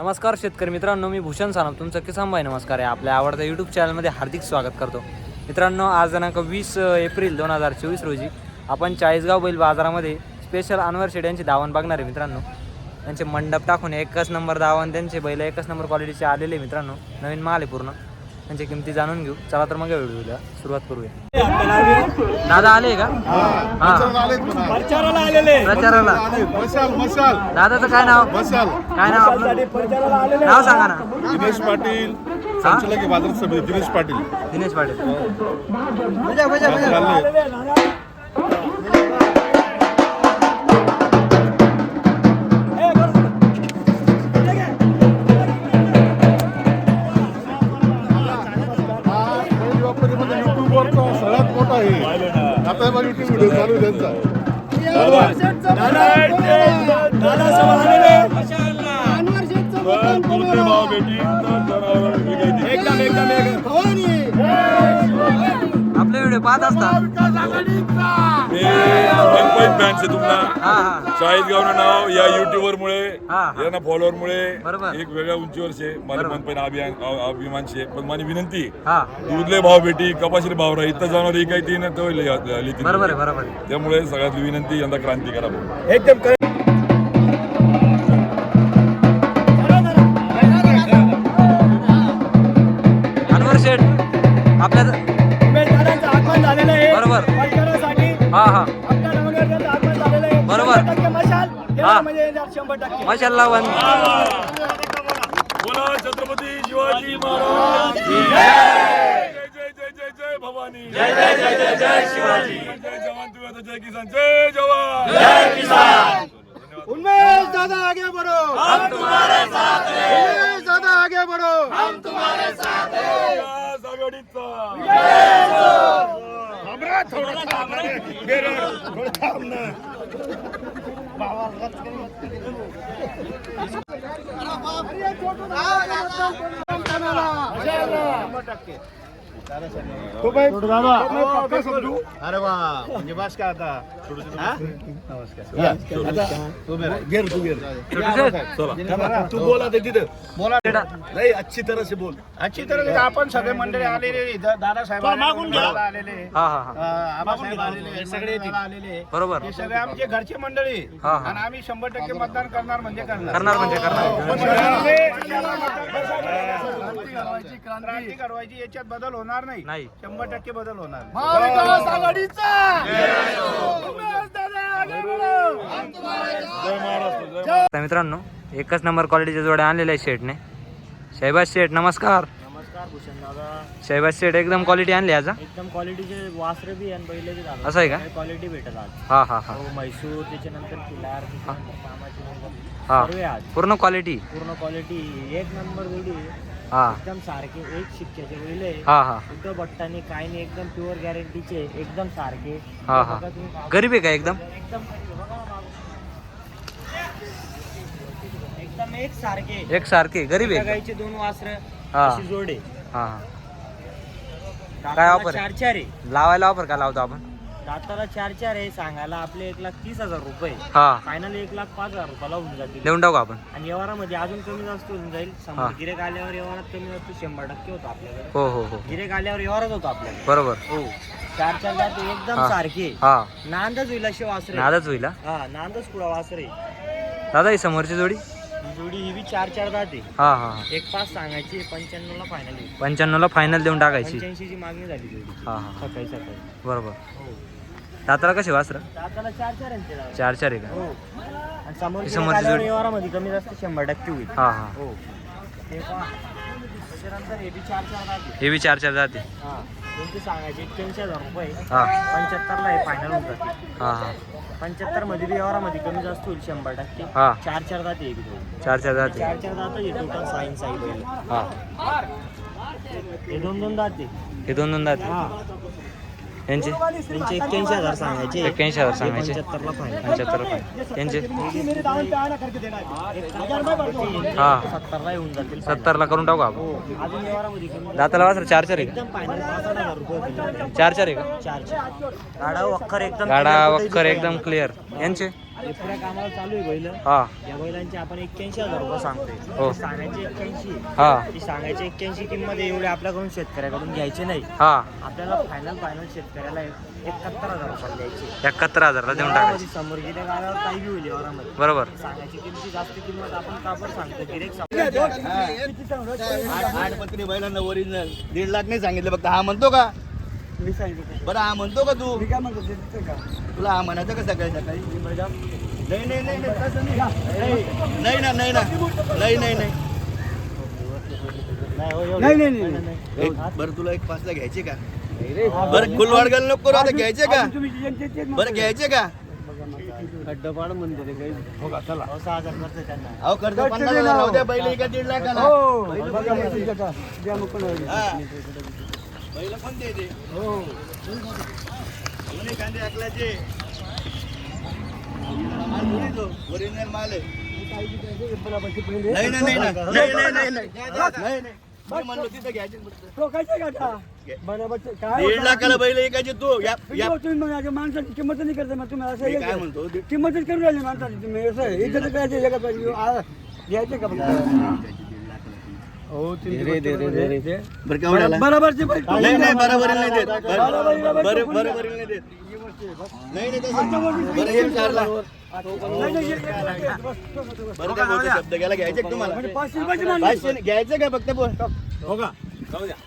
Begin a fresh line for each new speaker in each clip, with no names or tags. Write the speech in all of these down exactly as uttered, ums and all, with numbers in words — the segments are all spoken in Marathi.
नमस्कार शेतकरी मित्रांनो, मी भूषण सानप तुमचं किसान भाई नमस्कार आहे आपल्या आवडत्या यूट्यूब चॅनलमध्ये हार्दिक स्वागत करतो. मित्रांनो, आज दिनांक वीस एप्रिल दोन हजार चोवीस रोजी आपण चाळीसगाव बैल बाजारामध्ये स्पेशल अनवर शेड यांची दावण बघणार आहे. मित्रांनो, त्यांचे मंडप टाकून एकच नंबर दावण, त्यांचे बैल एकच नंबर क्वालिटीचे आलेले. मित्रांनो, नवीन माल आहे पूर्ण. त्यांची किमती जाणून घेऊ. चला तर मग व्हिडिओला सुरुवात करूया. दादा आले का? प्रचाराला. दादाचं काय नाव? काय नाव आपलं? नाव सांगा ना.
दिनेश पाटील, संचालक बाजार समिती. दिनेश पाटील.
दिनेश पाटील.
सगळ्यात मोठा आहे आता युट्यूब व्हिडिओ चालू आहे त्यांचा.
आपले व्हिडिओ पाहत असतात.
चाळीसगाव नाव या युट्यूबर मुळे यांना फॉलोअर मुळे
बरोबर.
एक वेगळ्या उंचीवर शे मला मनपैन अभियान अभिमान शे. पण माझी विनंती
हा
दूधले भाव भेटी कपाशीले भाव राही इथं जाणार ही काही तीन तो लिहिली.
बरोबर आहे, बरोबर आहे.
त्यामुळे सगळ्यात विनंती यंदा क्रांती करा.
एकदम
अनवर शेठ आपल्या बरोबर. हा हा बरोबर. हा मशाल लावण.
बोला छत्रपती शिवाजी महाराज की जय. जय जय जय जय भवानी. जय जय जय जय जय शिवाजी. जय जवान तुम्ही जय किसान. जय जवान जय किसान.
उन्मेष दादा आगे बढ़ो,
हम तुम्हारे साथ हैं.
उन्मेष दादा आगे बढ़ो,
हम तुम्हारे साथ हैं. या आघाडीचा
थांबरा, थोडं थांब रे. गेलं, थोडं थांब ना. तो भाई दादा पक्का समजू. अरे वा, म्हणजे बस का आता. घेर तू घेर तू बोला ते तिथं बोला नाही. अच्छी तरह से बोल.
अच्छी तरह आपण सगळे मंडळी आलेले, दादा साहेब आलेले,
हा हा हा
आबासाहेब आलेले, सगळे आलेले.
बरोबर.
हे सगळे आमचे घरचे मंडळी
हा, हा.
आणि आम्ही शंभर टक्के मतदान करणार म्हणजे करणार.
करणार म्हणजे करणार.
क्रांती करवायची, याच्यात बदल होणार नाही.
नाही.
शंभर टक्के बदल होणार.
महाविकास आघाडीचा
तर मित्रांनो, एकच नंबर क्वालिटीच्या जोड्या आणलेल्या आहे शेठने. शहबाज शेठ नमस्कार.
नमस्कार भूषण दादा.
शहबाज शेठ एकदम क्वालिटी आणली आज.
एकदम क्वालिटीचे वासरे बी आणि बैल बी दादा.
असं आहे का?
क्वालिटी भेटत आज.
हा हा हा
हो, म्हैसूर, त्याच्यानंतर किल्लार, त्याच्यानंतर कामाची
हा
सर्व आज
पूर्ण क्वालिटी.
पूर्ण क्वालिटी एक नंबर बैल.
हा
एकदम सारखे एक शिक्क्याचे बैल आहे.
हा हा
कुठं बट्टाने काही नाही, एकदम प्युअर गॅरंटीचे, एकदम सारखे.
हा हा
बघा तुम्ही.
गरीब आहे का एकदम?
एकदम एकदम एक सारखे.
एक सारखे गरीब आहे.
गाईचे दोन वासर
हा.
अशी जोडे.
हा हा काय ऑफर
चार
आहे?
चार आहे.
लावायला ऑफर का लावतो आपण?
दाताला चार चार आहे. सांगायला आपले एक लाख तीस हजार रुपये.
हा
फायनल एक लाख पाच हजार रुपयाला होऊन जातील.
देऊन टाकू आपण.
आणि व्यवहारामध्ये अजून कमी जास्त होऊन जाईल.
हा.
समजा गिरेक आल्यावर व्यवहारात कमी जास्त शंभर टक्के होतो आपल्याकडे.
हो हो हो
गिरेक आल्यावर व्यवहारच होतो आपल्याकडे.
बरोबर.
हो, चार चार जाते एकदम
हा.
सारखे.
हा
नांदच होईल असे वासरे.
नादच होईल. हा.
हा, नांदच पुढा वासरे.
दादा ही समोरची जोडी.
ही जोडी ही बी चार चार जाते.
हा हा हा
एक पाच सांगायची, पंच्याण्णव ला फायनल होईल.
पंच्याण्णव ला फायनल देऊन टाकायची.
पंच्याऐंशी ची मागणी झाली जोडी.
हा हा
सकाळी सकाळी.
बरोबर.
हो,
दाताला कशी वासर?
दाताला चार चार आहे ते.
चार चार आहे का?
हो, आणि समोर
ही
गिऱ्हाईक
समोरची
आल्यावर
जोडी.
व्यवहारामध्ये कमी जास्त शंभर टक्के होईल.
हा हा
हो, ते पहा. त्याच्यानंतर हे बी चार चार जाते.
हे बी चार चार जाते.
हा, त्यांची सांगायची एक्क्याऐंशी हजार रुपये.
हा
पंच्याहत्तरला हे फायनल होऊन जाते.
हा हा
पंच्याहत्तर मध्ये बी व्यवहारामध्ये कमी जास्त होईल शंभर टक्के.
हा
चार चार जाते हे बी दोन.
चार चार जाते.
चार चार जातं हे टोटल साईन साई बैल.
हा
हे दोन दोन जाते.
हे दोन दोन जाते.
हा,
यांचे
त्यांचे एक्क्याऐंशी हजार सांगायचे.
एक्क्याऐंशी हजार सांगायचे.
पंच्याहत्तरला फायनल.
पंच्याहत्तर रुपये त्यांचे.
हा, सत्तरला येऊन जातील.
सत्तरला करून टाकू आपण.
हो, अजून व्यवहारामध्ये कमी
दाताला वासर चार चार आहे का?
एकदम फायनल पाच हजार रुपये होतील.
चार चार आहे का?
चार चार गाडा वखर एकदम
गाडा वक्कर एकदम क्लिअर. यांचे
हे पुऱ्या कामाला चालू आहे बैल.
हा
या बैलांचे आपण एक्क्याऐंशी हजार रुपये सांगतोय.
हो.
सांगायचे एक्क्याऐंशी.
हा
ती सांगायचे एक्क्याऐंशी किंमत एवढे आपल्याकडून शेतकऱ्याकडून घ्यायचे नाही.
हा
आपल्याला फायनल फायनल शेतकऱ्याला एकाहत्तर हजार रुपये द्यायचे.
एकाहत्तर हजारला देऊन टाकायचे.
समोर गेल्या गाड्यावर काही बी होईल वरामध्ये.
बरोबर.
सांगायची किमती जास्त किंमत आपण कापड सांगतो डिरेक्ट.
आठ आठ पत्री बैलांना ओरिजिनल दीड लाख नाही सांगितलं फक्त. हा म्हणतो का
मी सांगितलं
बरं हा म्हणतो का तू
मी काय म्हणतो ते देते का
तुला हा म्हणायचं का सकाळी सकाळी नाही नाही नाही नाही तसं नाही. नाही ना नाही ना नाही नाही नाही
नाही नाही नाही
एक बरं तुला एक पाचला घ्यायचे का बरं फुलवाड घाल नको करू आता घ्यायचे का
तुम्ही जे- जे- जे- जे-
बरं घ्यायचे का
खड्डा पाड म्हणते ते काही हो का चला
सहा हजार करतो त्यांना.
अहो खर्च पन्नास हजार राहू द्या बैल एका दीड लाखाला
हो बघा मग तुमच्या का द्या मग कोण
हा. बैल कोणते ते
हो
दोन्ही कांदे अकलाचे माल दोन्ही तो ओरिजिनल माल आहे नाही नाही नाही नाही नाही नाही नाही नाही नाही मी म्हणलो तिथं घ्यायचे फक्त.
तो कायचे का आता बरोबर काय
दीड लाखाला बैल एकाचे तू या या
होतं? तुम्ही मग आता माणसाची किंमत नाही करता मग तुम्ही असं
मी
हे
काय
करा.
म्हणतो दीड-
किंमतच करून राहिली माणसाची तुम्ही असं इथं काय ते जगात पाहिजे आ, घ्यायचे का फक्त हो
बरं केवढ्याला
बरोबरचे
नाही नाही बरोबर नाही देत बरं बरं बरोबर नाही देत नाही नाही तसं बरं एक चारला बरं त्या बोलतो शब्द गेला घ्यायचे का तुम्हाला
पाचशे रुपयाची माणसं.
पाचशे नाही, घ्यायचं का फक्त बोल हो का जाऊ द्या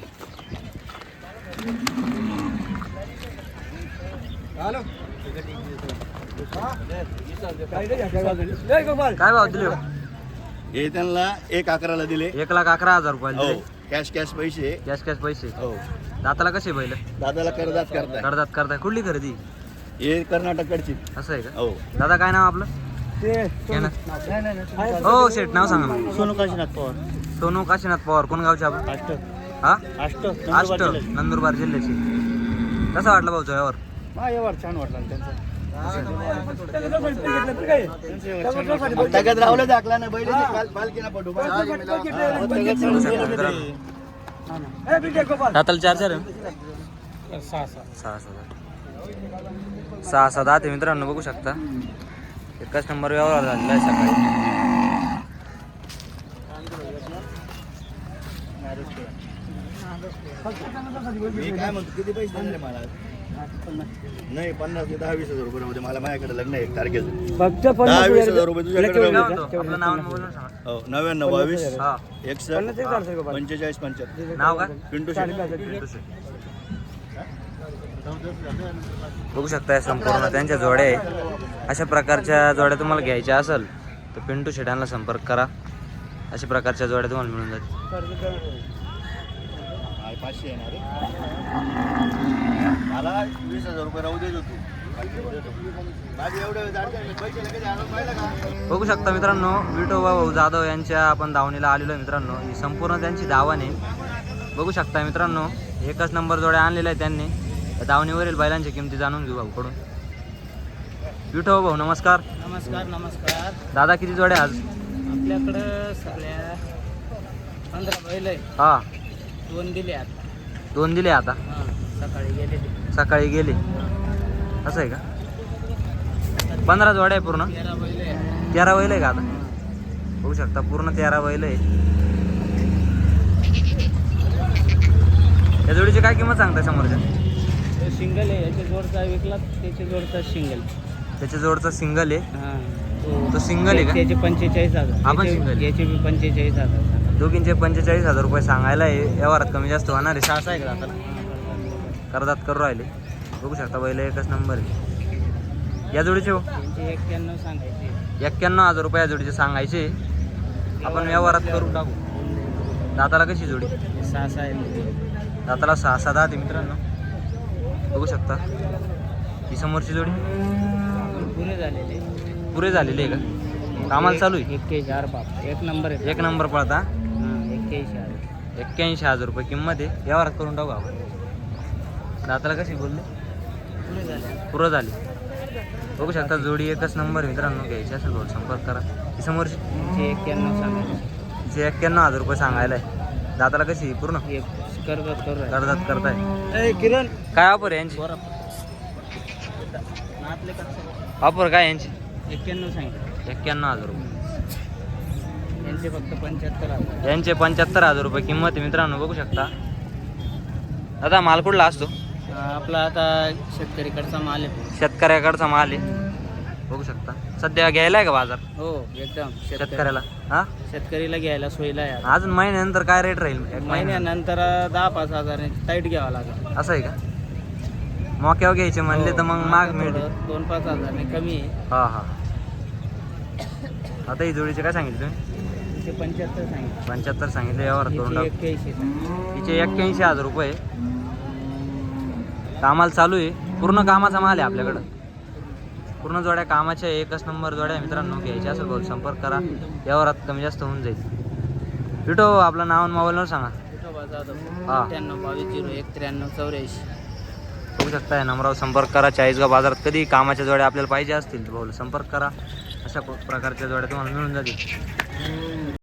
काय रे, काय बाजूला? लय गोपाल.
काय भाव दिले हो?
हे त्यांना एक अकराला दिले
एक लाख अकरा हजार रुपये
हो
दिले.
कॅश कॅश पैसे
कॅश कॅश पैसे.
हो
दाताला कसे बैल
दादाला कर्जात करताय
करतात करताय कुठली खरेदी
हे कर्नाटककडची
असं आहे का?
हो
दादा काय नाव आपलं?
ते
घे ना.
नाही, नाही, नाही.
हो शेठ नाव सांगा ना.
सोनू काशीनाथ पवार.
सोनू काशीनाथ पवार. कोण गावचे आपण?
अष्ट
हा
अष्ट
आष्ट नंदुरबार जिल्ह्याचे. कसा वाटला भाऊचा व्यवहार?
हा, व्यवहार छान वाटला ना त्यांचा. त्याच्यासाठी ते घेतलं तर काय? त्याच्यासाठी बोलतो.
तगत राहुलं दाखला ना बैल पालखीना पटू
त्याच्यासाठी तो घेतलं, पण घेतलं. हा ना. ए, बिटे गोपाल.
दाताला चार चार आहे? सहा सहा सहा सहा दहा ते मित्रांनो बघू शकता. एकच नंबर व्यवहार झालेला आहे सकाळी.
मी काय म्हणतो किती पैसे देणार आहे मला नाही पन्नास ते दहा वीस हजार रुपये मध्ये मला माझ्याकडे लग्न आहे एक तारखेचं
फक्त
दहा
पन्नास
वीस
हजार
हजार रुपये तुझ्याकडे
काय
राहू
म्हणतो? आपलं नाव आणि मोबाईल नंबर सांगा.
हो नव्याण्णव बावीस
हा
एकसष्ट पंचेचाळीस पंच्याहत्तर
नाव काय?
पिंटू शेट
पिंटू शेट. बघू शकता संपूर्ण त्यांच्या जोड्या आहे. अशा प्रकारच्या जोड्या तुम्हाला घ्यायच्या असेल तर पिंटू शेटांना संपर्क करा. अशा प्रकारच्या जोड्या तुम्हाला मिळून जातील.
पाचशे येणार मला वीस हजार रुपये राहू देत होतो माझे एवढे पैसे लगेच आणून पाहिलं का
बघू शकता मित्रांनो विठोबा भाऊ जाधव यांच्या आपण दावणीला आलेलो आहे मित्रांनो. ही संपूर्ण त्यांची दावण आहे. बघू शकता मित्रांनो एकच नंबर जोड्या आणलेल्या आहे त्यांनी. त्या दावणीवरील बैलांच्या किमती जाणून घेऊ भाऊकडून. विठोबा भाऊ नमस्कार.
नमस्कार नमस्कार.
दादा किती जोड्या आज?
आपल्याकडं सगळ्या पंधरा बैल आहे.
हा
दोन दिले आता.
दोन दिले आता.
हां सकाळी गेले ते.
सकाळी गेले असं आहे का? पंधरा जोड्या आहे पूर्ण.
तेरा बैल आहे.
तेरा बैल आहे का आता? बघू शकता पूर्ण तेरा बैल आहे. या जोडीची काय किंमत सांगताय समोरच्या?
ते सिंगल आहे. याच्या जोडचा विकला त्याच्या जोडचा सिंगल.
त्याच्या जोडचा सिंगल आहे.
हां
तो सिंगल आहे का?
त्याचे पंचेचाळीस हजार.
आपण
याचे-
single.
याचे बी पंचेचाळीस हजार.
दोघींचे पंचेचाळीस हजार रुपये सांगायला आहे. व्यवहारात कमी जास्त होणार आहे. सहा आहे का आता करदात करू राहिले. बघू शकता बैल एकच नंबर आहे. या जोडीचे हो
त्यांचे एक्क्याण्णव सांगायचे.
एक्क्याण्णव हजार रुपये या जोडीचे सांगायचे. आपण व्यवहारात करून टाकू. दाताला कशी जोडी?
सहा सहा आहे.
दाताला सहा सहा दहा ते मित्रांनो बघू शकता. ही समोरची जोडी
पुरे झालेले.
पुरे झालेली आहे का? कामाला चालू आहे.
एक्क्याऐंशी हजार बाप. एक नंबर आहे.
एक नंबर पळता.
हां एक्क्याऐंशी हजार.
एक्क्याऐंशी हजार रुपये किंमत आहे. व्यवहारात करून टाकू आपण. दाताला कशी बोलले?
पुरे झाले.
पुरं झाली. बघू शकता जोडी एकच नंबर मित्रांनो. घ्यायची असेल भाऊ संपर्क करा. ही समोरची
त्यांचे एक्क्याण्णव सांगायचे.
तिचे एक्क्याण्णव हजार रुपये सांगायला आहे. दाताला कशी पूर्ण
हे कर्जात करू राहिले.
कर्जात करताय.
ए, किरण
काय ऑफर आहे यांची?
नातले कसं
ऑफर काय यांची?
एक्क्याण्णव सांगितलं
एक्क्याण्णव हजार रुपये
यांचे फक्त पंच्याहत्तर हजार.
यांचे पंच्याहत्तर हजार रुपये किंमत आहे मित्रांनो, बघू शकता. दादा माल कुठला असतो?
आपला आता शेतकरीकडचा माल आहे.
शेतकऱ्याकडचा माल आहे, बघू शकता. सध्या घ्यायला आहे का बाजार
हो एकदम शेतकरी
शेतकऱ्याला? हा
शेतकरीला घ्यायला सोयीला आहे.
अजून महिन्यानंतर काय रेट राहील? एक महिन्या
महिन्यानंतर दहा पाच हजार टाईट घ्यावा लागेल.
असं आहे का? मोक्यावर घ्यायचे म्हणले तर मग माग मिळते.
थोडं दोन पाच हजारने कमी आहे.
हा हा. आता ही जोडीचे काय सांगितले तुम्ही?
तिचे पंच्याहत्तर सांगितलं.
पंच्याहत्तर सांगितले, यावर करून टाकू.
एक्क्याऐंशी सांगितलं.
तिचे एक्क्याऐंशी हजार रुपये. कामाला चालू आहे, पूर्ण कामाचा माल आहे आपल्याकडं. पूर्ण जोड्या कामाच्या, एकच नंबर जोड्या मित्रांनो. घ्यायचे असेल भाऊ संपर्क करा, यावर कमी जास्त होऊन जाईल. विटो आपलं नाव आणि मोबाईल नंबर सांगा.
विठोबा जाधव
हा.
अठ्ठ्याण्णव बावीस झिरो एक त्र्याण्णव चौऱ्याऐंशी.
बघू शकता या नंबरावर संपर्क करा. चाळीसगाव बाजारात कधी कामाच्या जोड्या आपल्याला पाहिजे असतील तर भाऊ संपर्क करा. अशा प्रकारच्या जोड्या तुम्हाला मिळून जातील.